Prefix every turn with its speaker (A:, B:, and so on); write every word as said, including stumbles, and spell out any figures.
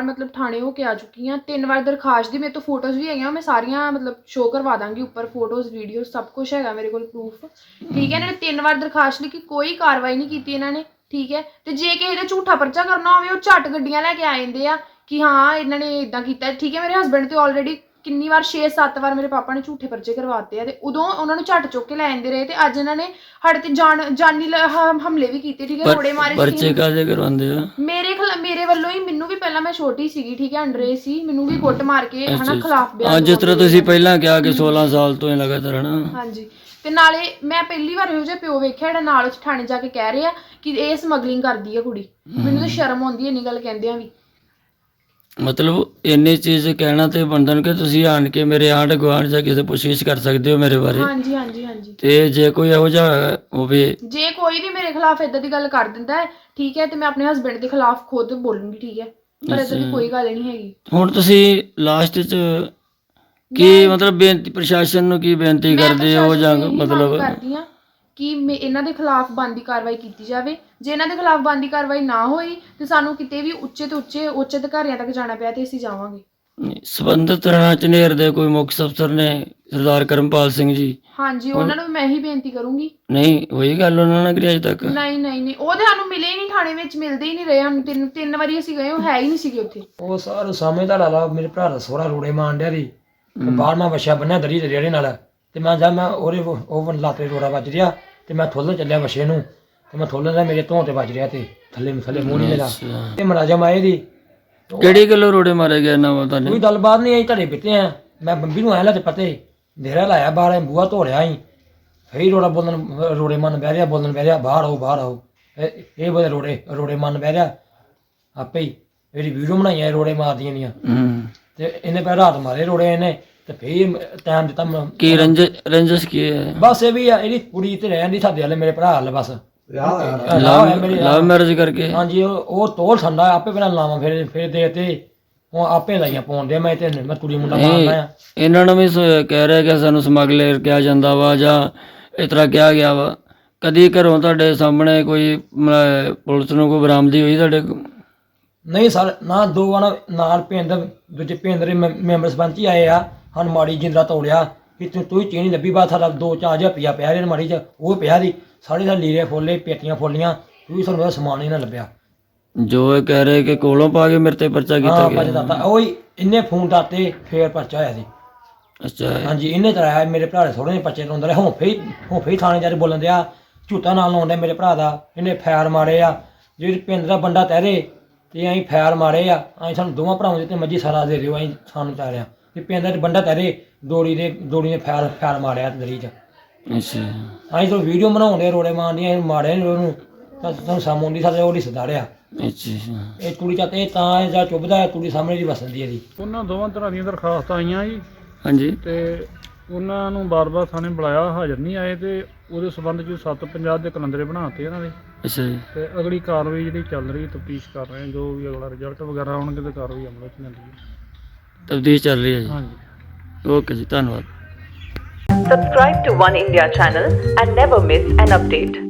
A: मतलब थाने हो के आ चुकी हाँ, तीन बार दरखास्त दी, मेरे तो फोटोज़ भी है, मैं सारियां मतलब शो करवा दांगी उपर, फोटोज़ वीडियो सब कुछ है मेरे को प्रूफ, ठीक है। इन्होंने तीन बार दरखास्त लिखी, कोई कार्रवाई नहीं की इन्होंने, ठीक है। तो जे किसी का झूठा परचा करना हो झट गड्डियां लैके आ जाते हैं कि हाँ इन्होंने इदा किया, ठीक है। मेरे हसबैंड तो ऑलरेडी किन्नी बार छे सत्त बार मेरे पापा ने झूठे परचे करवाते हैं, तो उदों उन्होंने झट चुक के लै आते रहे, तो अज इन्होंने साढ़े ते जान जानी हमले भी किए, ठीक है। रोड़े मारे
B: परचे काहदे करवांदे आ?
A: मेरे खिला मेरे वालों ही, मैनू भी पहला मैं छोटी सी, ठीक है, अंडर एज सी, मैनू भी गुੱਟ मार के है ना खिलाफ बयान,
B: जिस तरह तुसीं पहलां कहा कि सोलह साल तो लगातार है ना।
A: हाँ जी, ਤੇ ਨਾਲੇ ਮੈਂ ਪਹਿਲੀ ਵਾਰ ਇਹੋ ਜਿਹਾ ਪਿਓ ਵੇਖਿਆ ਜਿਹੜਾ ਨਾਲ ਉਸ ਥਾਣੇ ਜਾ ਕੇ ਕਹਿ ਰਿਹਾ ਕਿ ਇਹ ਸਮਗਲਿੰਗ ਕਰਦੀ ਹੈ ਕੁੜੀ। ਮੈਨੂੰ ਤਾਂ ਸ਼ਰਮ ਆਉਂਦੀ ਹੈ ਇੰਨੀ ਗੱਲ ਕਹਿੰਦਿਆਂ ਵੀ।
B: ਮਤਲਬ ਇੰਨੀ ਚੀਜ਼ ਕਹਿਣਾ ਤੇ ਬੰਦਨ ਕਿ ਤੁਸੀਂ ਆਣ ਕੇ ਮੇਰੇ ਆਂਢ ਗੁਆਂਢ ਜਾਂ ਕਿਸੇ ਪੁੱਛਗਿੱਛ ਕਰ ਸਕਦੇ ਹੋ ਮੇਰੇ ਬਾਰੇ।
A: ਹਾਂਜੀ ਹਾਂਜੀ ਹਾਂਜੀ।
B: ਤੇ ਜੇ ਕੋਈ ਇਹੋ ਜਿਹਾ ਹੋਵੇ, ਜੇ
A: ਕੋਈ ਵੀ ਮੇਰੇ ਖਿਲਾਫ ਇਦਾਂ ਦੀ ਗੱਲ ਕਰ ਦਿੰਦਾ ਹੈ, ਠੀਕ ਹੈ, ਤੇ ਮੈਂ ਆਪਣੇ ਹਸਬੈਂਡ ਦੇ ਖਿਲਾਫ ਖੁਦ ਬੋਲੂੰਗੀ, ਠੀਕ ਹੈ। ਪਰ ਇਦਾਂ ਦੀ ਕੋਈ ਗੱਲ ਨਹੀਂ ਹੈਗੀ। ਹੁਣ
B: ਤੁਸੀਂ ਲਾਸਟ 'ਚ ਕੀ ਮਤਲਬ ਬੇਨਤੀ ਪ੍ਰਸ਼ਾਸਨ ਨੂੰ ਕੀ ਬੇਨਤੀ ਕਰਦੇ ਹੋ ਜਾਂ ਮਤਲਬ
A: ਕਰਦੀ ਹਾਂ ਕਿ ਮੈਂ ਇਹਨਾਂ ਦੇ ਖਿਲਾਫ ਬਣਦੀ ਕਾਰਵਾਈ ਕੀਤੀ ਜਾਵੇ। ਜੇ ਇਹਨਾਂ ਦੇ ਖਿਲਾਫ ਬਣਦੀ ਕਾਰਵਾਈ ਨਾ ਹੋਈ ਤੇ ਸਾਨੂੰ ਕਿਤੇ ਵੀ ਉੱਚੇ ਤੋਂ ਉੱਚੇ ਉੱਚ ਅਧਿਕਾਰੀਆਂ ਤੱਕ ਜਾਣਾ ਪਿਆ ਤੇ ਅਸੀਂ ਜਾਵਾਂਗੇ।
B: ਸੰਬੰਧਿਤ ਥਾਣਾ ਝਨੇਰ ਦੇ ਕੋਈ ਮੁੱਖ ਅਫਸਰ ਨੇ ਸਰਦਾਰ ਕਰਮਪਾਲ ਸਿੰਘ ਜੀ?
A: ਹਾਂਜੀ, ਉਹਨਾਂ ਨੂੰ ਮੈਂ ਹੀ ਬੇਨਤੀ ਕਰੂੰਗੀ।
B: ਨਹੀਂ ਹੋਈ ਗੱਲ ਉਹਨਾਂ ਨਾਲ ਅਜੇ ਤੱਕ?
A: ਨਹੀਂ ਨਹੀਂ ਨਹੀਂ, ਉਹ ਤੇ ਸਾਨੂੰ ਮਿਲੇ ਹੀ ਨਹੀਂ, ਥਾਣੇ ਵਿੱਚ ਮਿਲਦੇ ਹੀ ਨਹੀਂ ਰਹੇ ਸਾਨੂੰ। ਤਿੰਨ ਤਿੰਨ ਵਾਰੀ ਅਸੀਂ ਗਏ, ਉਹ ਹੈ ਹੀ ਨਹੀਂ ਸੀਗੇ ਉੱਥੇ।
C: ਉਹ ਸਾਰਾ ਸਮਝਦਾ ਲਾਲਾ ਮੇਰੇ ਭਰਾ ਦਾ ਸੋਹਰਾ ਰੋੜੇ ਮਾਰਨ ਡਿਆ ਦੀ ਬਾਹਰ ਮੈਂ ਵਛਾ ਬੰਨਿਆ ਦਰੀ ਦੇ ਰੇੜੇ ਨਾਲ, ਤੇ ਮੈਂ ਜਾ ਮੈਂ ਉਹਦੇ ਉਹ ਲਾਤੇ ਰੋੜਾ ਵੱਜ ਰਿਹਾ ਤੇ ਮੈਂ ਥੋਲੇ ਚੱਲਿਆ ਵਛੇ ਨੂੰ, ਤੇ ਮੈਂ ਥੋਲੇ ਦਾ ਮੇਰੇ ਧੋਂ ਤੇ ਵੱਜ ਰਿਹਾ ਤੇ ਥੱਲੇ ਥੱਲੇ ਮੂੰਹ ਨਹੀਂ ਮੇਰਾ। ਤੇ ਮੁਲਾਜ਼ਮ ਆਏ ਦੀ
B: ਕਿਹੜੀ ਗੱਲੋਂ ਰੋੜੇ ਮਾਰੇ ਗਏ ਨਾ ਪਤਾ ਨਹੀਂ?
C: ਕੋਈ ਗੱਲਬਾਤ ਨਹੀਂ ਆਈ, ਧੜੇ ਪਿੱਤੇ ਆ। ਮੈਂ ਬੰਬੀ ਨੂੰ ਆਇਆ ਲਾ ਤੇ ਪਤੇ ਦੇਰਾ ਲਾਇਆ ਬਾਹਰ, ਬੂਹਾ ਧੋ ਰਿਹਾ ਸੀ, ਫੇਰ ਰੋੜਾ ਬੋਲਣ ਰੋੜੇ ਮਨ ਬਹਿ ਰਿਹਾ, ਬੋਲਣ ਬਹਿ ਰਿਹਾ ਬਾਹਰ ਆਓ ਬਾਹਰ ਆਓ। ਇਹ ਬੋਲੇ ਰੋੜੇ ਰੋੜੇ ਮਨ ਬਹਿ ਰਿਹਾ ਆਪੇ ਹੀ। ਇਹਦੀ ਵੀਡੀਓ ਬਣਾਈਆਂ ਰੋੜੇ ਮਾਰਦੀਆਂ ਦੀਆਂ, ਤੇ ਇਹਨੇ ਪਹਿਲਾਂ ਰਾਤ ਮਾਰੇ ਰੋੜੇ ਇਹਨੇ, ਤੇ ਫੇਰ ਟਾਈਮ ਦਿੱਤਾ।
B: ਕੀ ਰੰਜਸ ਰੰਜਸ ਕੀ ਹੈ?
C: ਬਸ ਇਹ ਵੀ ਆ, ਇਹਦੀ ਕੁੜੀ ਤੇ ਰਹਿਣ ਦੀ ਸਾਡੇ ਵਾਲੇ ਮੇਰੇ ਭਰਾ ਵਾਲੇ ਬਸ
B: ਲਵ ਮੈਰਿਜ ਕਰਕੇ।
C: ਹਾਂਜੀ, ਉਹ ਤੋਲ ਠੰਡਾ ਆਪੇ ਪਹਿਲਾਂ ਲਾਵਾਂ ਫਿਰ ਫਿਰ ਦੇ ਤੇ ਉਹ ਆਪੇ ਲਾਈਆਂ ਪਾਉਣ ਦੇ। ਮੈਂ ਤੇ ਮੈਂ ਕੁੜੀ ਮੁੰਡਾ ਮਾਰਨਾ ਆ।
B: ਇਹਨਾਂ ਨੂੰ ਵੀ ਕਹਿ ਰਿਹਾ ਕਿ ਸਾਨੂੰ ਸਮਗਲਰ ਕਿਹਾ ਜਾਂਦਾ ਵਾ ਜਾਂ ਇਸ ਤਰ੍ਹਾਂ ਕਿਹਾ ਗਿਆ ਵਾ। ਕਦੀ ਘਰੋਂ ਤੁਹਾਡੇ ਸਾਹਮਣੇ ਕੋਈ ਪੁਲਿਸ ਨੂੰ ਕੋਈ ਬਰਾਮਦੀ ਹੋਈ ਤੁਹਾਡੇ?
C: ਨਹੀਂ ਸਰ, ਨਾ ਦੋ ਵਾਰ ਨਾਲ ਪਿੰਡ ਦੂਜੇ ਪਿੰਡ ਦੇ ਮੈਂਬਰ ਸਰਪੰਚ ਹੀ ਆਏ ਆ, ਸਾਨੂੰ ਮਾੜੀ ਜਿੰਦਰਾ ਤੋੜਿਆ ਕਿ ਤੂੰ ਤੂੰ ਚੀਜ਼ ਨਹੀਂ ਲੱਭੀ। ਬਾਅਦ ਸਾਡਾ ਦੋ ਚਾਰ ਹਜ਼ਾਰ ਰੁਪਈਆ ਪਿਆ ਰਿਹਾ ਮਾੜੀ 'ਚ, ਉਹ ਪਿਆ ਦੀ ਸਾਰੇ ਦਾ ਲੀਰੇ ਫੋਲੇ ਪੇਟੀਆਂ ਫੋਲੀਆਂ, ਤੂੰ ਸਾਨੂੰ ਉਹਦਾ ਸਮਾਨ ਹੀ ਨਾ ਲੱਭਿਆ।
B: ਜੋ ਇਹ ਕਹਿ ਰਹੇ ਕਿ ਕੋਲੋਂ ਪਾ ਕੇ ਮੇਰੇ ਤੇ ਪਰਚਾ ਕੀਤਾ ਗਿਆ?
C: ਪਰਚਾ ਦਿੱਤਾ ਉਹ ਹੀ, ਇਹਨੇ ਫੋਨ ਦਾਤੇ ਫੇਰ ਪਰਚਾ ਹੋਇਆ ਸੀ।
B: ਅੱਛਾ,
C: ਹਾਂਜੀ, ਇਹਨੇ ਕਰਾਇਆ। ਮੇਰੇ ਭਰਾ ਦੇ ਥੋੜੇ ਜਿਹੇ ਪਰਚੇ ਲਾਉਂਦਾ ਰਿਹਾ। ਹੁਣ ਫੇਰ ਹੁਣ ਫੇਰ ਥਾਣੇ ਜਾ ਕੇ ਬੋਲਣ ਦਿਆ, ਝੂਠਾ ਨਾਲ ਲਾਉਂਦਾ ਮੇਰੇ ਭਰਾ ਦਾ। ਇਹਨੇ ਫੈਰ ਮਾਰੇ ਆ, ਜੇ ਪਿੰਡ ਦਾ ਬੰਦਾ ਤਹਿਰੇ ਤੇ ਅਸੀਂ ਫੈਰ ਮਾਰੇ ਆ। ਅਸੀਂ ਸਾਨੂੰ ਦੋਵਾਂ ਭਰਾਵਾਂ ਦੇ ਤੇ ਮੱਝੀ ਸਾਰਾ ਦੇ ਦਿਓ, ਅਸੀਂ ਸਾਨੂੰ ਚਾਹ ਰਿਹਾ ਤੇ ਪਿੰਡ ਦਾ ਬੰਦਾ ਤਹਿਰੇ ਦੋੜੀ ਦੇ ਦੋੜੀ ਨੇ ਫੈਰ ਫੈਰ ਮਾਰਿਆ ਦਰੀ 'ਚ।
B: ਅੱਛਾ,
C: ਅਸੀਂ ਤਾਂ ਵੀਡੀਓ ਬਣਾਉਂਦੇ ਰੋੜੇ ਮਾਰਦੀਆਂ, ਮਾਰਿਆ ਨੀ ਉਹਨੂੰ, ਤੁਹਾਨੂੰ ਸਾਹਮਣੇ ਆਉਂਦੀ ਸਾਡੇ ਉਹ ਰਿਸ਼ਤੇਦਾਰ ਆ।
B: ਅੱਛਾ,
C: ਇਹ ਕੁੜੀ ਚਾਹ ਇਹ ਤਾਂ ਇਹ ਜਾਂ ਚੁੱਭਦਾ ਕੁੜੀ ਸਾਹਮਣੇ ਦੀ ਵਸਣ ਦੀ ਇਹਦੀ।
D: ਉਹਨਾਂ ਦੋਵਾਂ ਤਰ੍ਹਾਂ ਦੀਆਂ ਦਰਖਾਸਤਾਂ ਆਈਆਂ ਜੀ।
B: ਹਾਂਜੀ,
D: ਤੇ ਉਹਨਾਂ ਨੂੰ ਬਾਰ-ਬਾਰ ਥਾਣੇ ਬੁਲਾਇਆ, ਹਾਜ਼ਰ ਨਹੀਂ ਆਏ, ਤੇ ਉਹਦੇ ਸੰਬੰਧ 'ਚ ਸੱਤ ਪੰਜਾਹ ਦੇ ਕਲੰਦਰੇ ਬਣਾਤੇ ਇਹਨਾਂ ਦੇ।
B: ਅੱਛਾ ਜੀ।
D: ਤੇ ਅਗਲੀ ਕਾਰਵਾਈ ਜਿਹੜੀ ਚੱਲ ਰਹੀ, ਤਫਤੀਸ਼ ਕਰ ਰਹੇ, ਜੋ ਵੀ ਅਗਲਾ ਰਿਜ਼ਲਟ ਵਗੈਰਾ ਆਉਣਗੇ ਤੇ ਕਾਰਵਾਈ ਅਮਲ 'ਚ ਲੈਂਦੀ ਹੈ।
B: ਤਫਤੀਸ਼ ਚੱਲ ਰਹੀ ਹੈ ਜੀ।
D: ਹਾਂਜੀ,
B: ਓਕੇ ਜੀ, ਧੰਨਵਾਦ।
E: Subscribe to One India channel and never miss an update.